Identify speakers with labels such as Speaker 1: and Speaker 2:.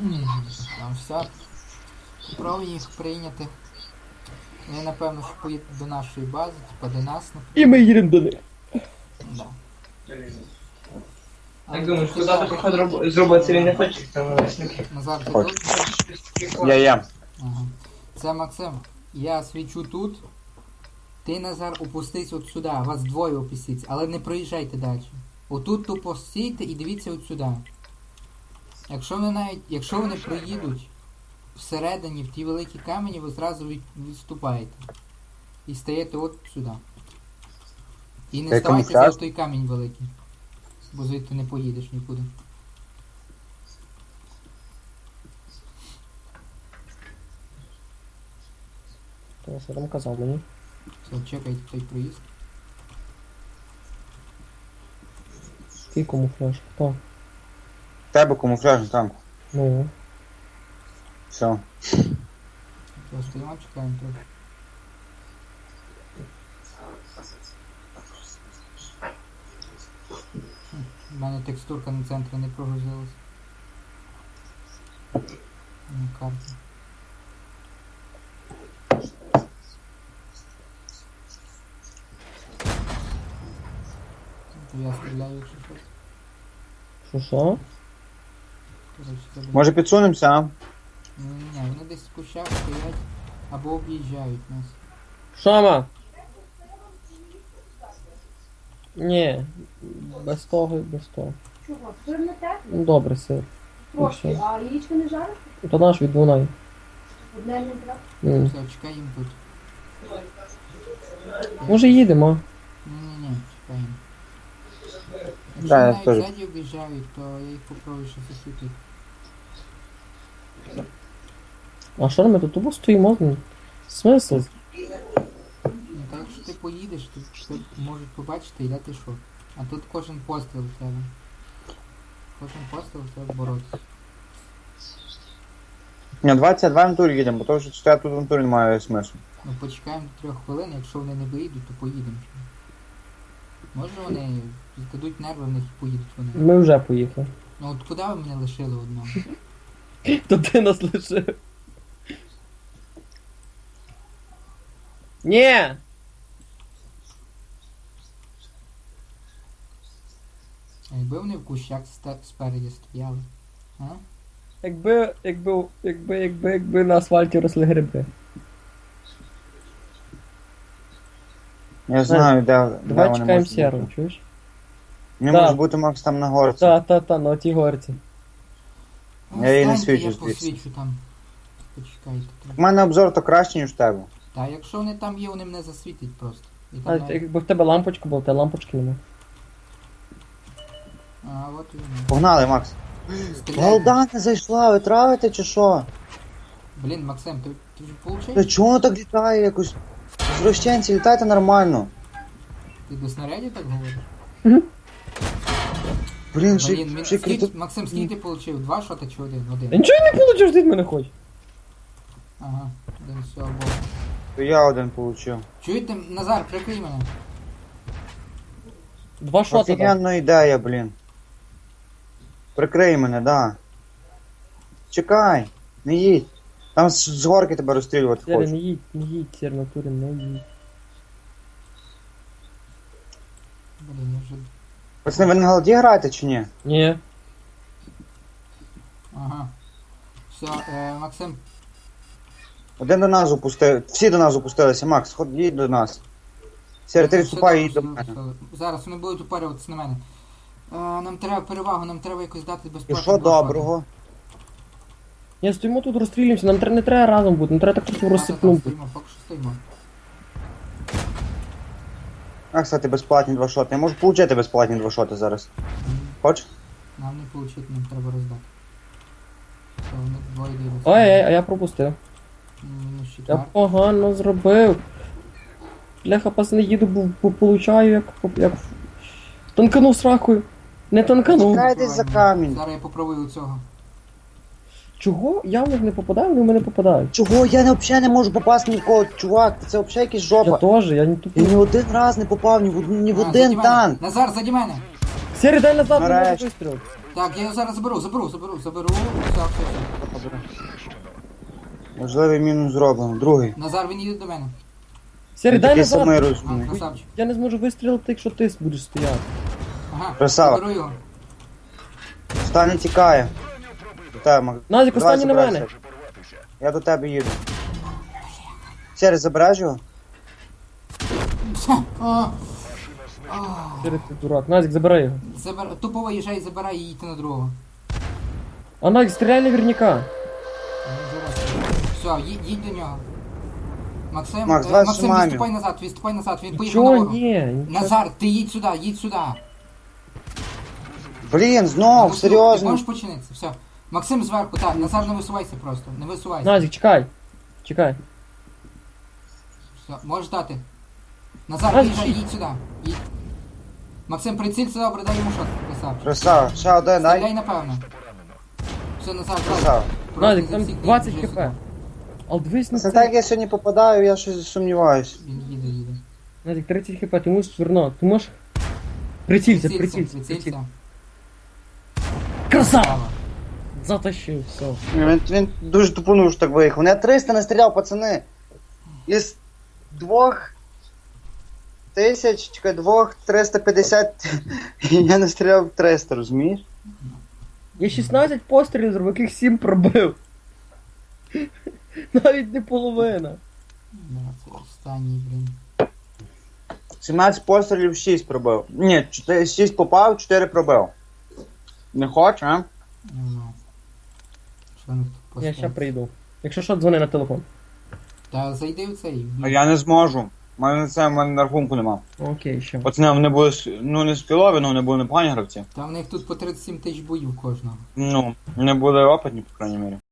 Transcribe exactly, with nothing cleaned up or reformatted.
Speaker 1: Там все. Попробуй їх прийняти. Вони, напевно, що поїдуть до нашої бази, типа до нас.
Speaker 2: І ми їдемо до них.
Speaker 1: Да.
Speaker 3: Як думаєш, куди ти проход роб- зробити він не хоче, там власники.
Speaker 1: Назар, ти
Speaker 4: Хочу.
Speaker 1: тут?
Speaker 4: Я є.
Speaker 1: Ага. Це Максим. Я свічу тут. Ти, Назар, опустись от сюди. Вас двоє опустіться, але не проїжджайте далі. Отут тупо стійте і дивіться от сюди. Якщо вони навіть, якщо вони проїдуть всередині в ті великі камені, ви зразу від, відступаєте. І стаєте от сюди. І не
Speaker 4: Ти
Speaker 1: ставайте
Speaker 4: камуфляж?
Speaker 1: за той камінь великий. Бо звідти не поїдеш нікуди.
Speaker 2: Ти що там казав мені?
Speaker 1: Все, чекайте той проїзд.
Speaker 2: Ти камуфляж, хто?
Speaker 4: В тебе камуфляжний танк.
Speaker 2: Ну.
Speaker 4: Все.
Speaker 1: Все, стоїмо, чекаємо трохи. Хм, У мене текстурка на центрі не прогрузилась. На карті. То я стріляю, якщо щось.
Speaker 2: Що що?
Speaker 1: Коротше, це буде-
Speaker 4: Може підсунемося, а?
Speaker 1: Ні, вони десь в кущах стоять або об'їжджають нас.
Speaker 2: Шама! Ні, без того і без того.
Speaker 5: Чого? Сир не те?
Speaker 2: Ну добре, сир.
Speaker 5: Трошки.
Speaker 2: все.
Speaker 5: А яєчко не жариш?
Speaker 2: То наш від Дунай.
Speaker 5: Одне не треба.
Speaker 2: М.
Speaker 1: Все, чекаємо тут.
Speaker 2: Може їдемо?
Speaker 1: Ні-ні-ні, чекаємо. Якщо
Speaker 4: Да, я
Speaker 1: навіть
Speaker 4: теж.
Speaker 1: ззаді об'їжджають, то я їх попробую ще засвітити.
Speaker 2: А що ми тут тупо стоїмо? Ну, смисл?
Speaker 1: Ну так якщо ти поїдеш, то тебе можуть побачити і дати шок. А тут кожен постріл в тебе. Кожен постріл в тебе боротися.
Speaker 4: Ні, двадцять два в турі їдемо, бо то, що стояти тут в турі немає смислу.
Speaker 1: Ну почекаємо до трьох хвилин, якщо вони не виїдуть, то поїдемо. Може вони здадуть нерви, в них і поїдуть вони.
Speaker 2: Ми вже поїхали.
Speaker 1: Ну от куди ви мене лишили одного?
Speaker 2: То ти нас лишив. Ні!
Speaker 1: А якби вони в кущах ста- спереді стояли? А?
Speaker 2: Якби, якби, якби, якби, якби на асфальті росли гриби.
Speaker 4: Я знаю, де, де
Speaker 2: Давай
Speaker 4: вони
Speaker 2: чекаємо
Speaker 4: можуть
Speaker 2: Сєру,
Speaker 4: бути.
Speaker 2: чуєш?
Speaker 4: Не
Speaker 2: Да.
Speaker 4: може бути Макс там на горці.
Speaker 2: Та, та, та, на тій горці.
Speaker 4: Я її не
Speaker 1: Станьте,
Speaker 4: свічу
Speaker 1: я
Speaker 4: звідси.
Speaker 1: посвічу там. Почекайте
Speaker 4: У
Speaker 1: трохи.
Speaker 4: мене обзор то краще, ніж в тебе.
Speaker 1: Та якщо вони там є, вони мене засвітять просто. І
Speaker 2: А
Speaker 1: там навіть-
Speaker 2: якби в тебе лампочка була, та лампочки нема.
Speaker 1: А, от і вони.
Speaker 4: Погнали, Макс.
Speaker 1: Стріляй.
Speaker 4: Голда не зайшла, ви травите чи що?
Speaker 1: Блін, Максим, ти, ти вже
Speaker 4: Та
Speaker 1: получив?
Speaker 4: чого воно так літає якось? Зрощенці, літайте нормально.
Speaker 1: Ти до снарядів так говориш?
Speaker 4: Блін, ще,
Speaker 1: Блін, він
Speaker 4: ще
Speaker 1: скільки,
Speaker 4: крито...
Speaker 1: Максим, скільки ти получив? Два шота чи один?
Speaker 2: Я
Speaker 1: Один.
Speaker 2: нічого не получив, ти від мене хочеш.
Speaker 1: Ага, один все, обох.
Speaker 4: То я один получив.
Speaker 1: Чуєте, Назар, прикрий мене.
Speaker 2: Два шота там.
Speaker 4: Офігенна ідея, блін. Прикрий мене, да. Чекай, не їдь. Там з, з горки тебе розстрілювати
Speaker 2: Сєре, не
Speaker 4: хочуть.
Speaker 2: їдь, не їдь, Сєр, натурі, не їдь.
Speaker 1: Блін, я вже...
Speaker 4: Пацани, ви на голді граєте чи ні?
Speaker 2: Ні.
Speaker 1: Ага. Все, е, Максим,
Speaker 4: Один до нас упустив. Всі до нас упустилися. Макс, ход їдь до нас. Сєре, ти
Speaker 1: все
Speaker 4: відступай і їдь
Speaker 1: добре,
Speaker 4: до
Speaker 1: все,
Speaker 4: мене.
Speaker 1: все. Зараз вони будуть упарюватися на мене. Е, нам треба перевагу, нам треба якось дати
Speaker 4: І
Speaker 1: безпеку.
Speaker 4: що доброго?
Speaker 2: Ні, стоїмо тут, розстрілюємося, нам тре- не треба разом бути, нам треба так просто розсипнути.
Speaker 1: Стоїмо, поки що стоїмо.
Speaker 4: А, кстати, безплатні два шоти. Я можу получити безплатні два шоти зараз.
Speaker 1: М,
Speaker 4: Хочеш?
Speaker 1: Нам не получити, нам треба роздати. Все, вони двоє дивляться.
Speaker 2: Ой, ой, а я пропустив.
Speaker 1: М, Мінус
Speaker 2: Я
Speaker 1: четвертий.
Speaker 2: погано зробив. Бляха, пацани, їду, бо, бо получаю як, як... Танканув сракою. Не танканув.
Speaker 4: Чекай десь за камінь.
Speaker 1: Зараз я попробую цього.
Speaker 2: Чого? Я в них не попадаю, вони в мене попадають.
Speaker 4: Чого? Я не, взагалі не можу попасти нікого, чувак. Це взагалі якась
Speaker 2: Я
Speaker 4: жопа.
Speaker 2: теж, я не
Speaker 4: Я
Speaker 2: тупий.
Speaker 4: ні один раз не попав ні в, од- ні в
Speaker 1: А,
Speaker 4: один
Speaker 1: заді мене.
Speaker 4: танк.
Speaker 1: Назар, заді мене!
Speaker 2: Сері, дай назад, не можу
Speaker 4: Нарешті.
Speaker 2: вистрілити.
Speaker 1: Так, я його зараз заберу, заберу, заберу, заберу. Все, все, все.
Speaker 4: Можливий мінус зроблено. Другий.
Speaker 1: Назар, він їде до мене.
Speaker 2: Сірий,
Speaker 4: Він
Speaker 2: дай
Speaker 4: такий самий
Speaker 2: назад.
Speaker 1: А,
Speaker 4: розумний.
Speaker 1: красавчик.
Speaker 2: Я не зможу вистрілити, якщо ти будеш стояти.
Speaker 1: Ага,
Speaker 4: Красава.
Speaker 1: заберу його.
Speaker 4: Останній тікає. До тебе, Мак-
Speaker 2: Назік,
Speaker 4: Давай
Speaker 2: останній на
Speaker 4: забирайся.
Speaker 2: мене.
Speaker 4: Я до тебе їду. Сірий, забереш його?
Speaker 1: О,
Speaker 2: Сірий, ти дурак. Назік, забирай його.
Speaker 1: забер... Тупо виїжджай, забирай і їдьте на другого.
Speaker 2: А Назік, стріляй наверняка.
Speaker 1: Все, їдь, їдь до нього. Максим,
Speaker 4: Макс,
Speaker 1: е,
Speaker 4: давай
Speaker 1: Максим,
Speaker 4: зжимаємо.
Speaker 1: відступай назад, відступай назад, він поїхав
Speaker 2: Чого?
Speaker 1: нагору.
Speaker 2: Ні, нічого.
Speaker 1: Назар, ти їдь сюди, їдь сюди.
Speaker 4: Блін,
Speaker 1: Ну,
Speaker 4: знов,
Speaker 1: Ти
Speaker 4: серйозно.
Speaker 1: можеш починитися, все. Максим зверху, так, Назар, не висувайся просто, не висувайся.
Speaker 2: Назік, чекай. Чекай.
Speaker 1: Все, можеш дати. Назар,
Speaker 2: Назік,
Speaker 1: виїжджай,
Speaker 2: їдь.
Speaker 1: їдь сюди, їдь. Максим, прицілься, добре, дай йому шот, красавчик.
Speaker 4: Красава, ще один, дай.
Speaker 1: Стріляй, напевно. Все, Назар,
Speaker 4: Красава.
Speaker 1: брат.
Speaker 2: Назік, там двадцять хп. Але дивись на
Speaker 4: Це
Speaker 2: це.
Speaker 4: так, як я сьогодні попадаю, я щось сумніваюсь.
Speaker 1: Він їде, їде.
Speaker 2: Назік, тридцять хп, ти мусиш вернути. Ти можеш... Прицілься,
Speaker 1: Прицілься,
Speaker 2: прицілься, прицілься.
Speaker 1: прицілься.
Speaker 2: Красава! Затащив, все.
Speaker 4: Він, він дуже тупонув, що так виїхав. Я триста настріляв, пацани. Із двох тисяч, чекай, двох триста п'ятдесят, я настріляв триста, розумієш?
Speaker 2: Я шістнадцять пострілів зробив, яких сім пробив. Навіть не половина.
Speaker 1: Да, це останній, блін.
Speaker 4: сімнадцять пострілів, шість пробив. Ні, шість попав, чотири пробив. Не хочеш, а?
Speaker 1: Ну, що не тут
Speaker 2: Я ще прийду. Якщо що, дзвони на телефон.
Speaker 1: Та зайди в цей.
Speaker 4: А я не зможу. У мене це в мене на рахунку нема.
Speaker 2: Окей, ще.
Speaker 4: Пацани, вони були, с- ну не скілові, але вони були непогані гравці.
Speaker 1: Та в них тут по тридцять сім тисяч боїв кожного.
Speaker 4: Ну, вони були опитні, по крайній мірі.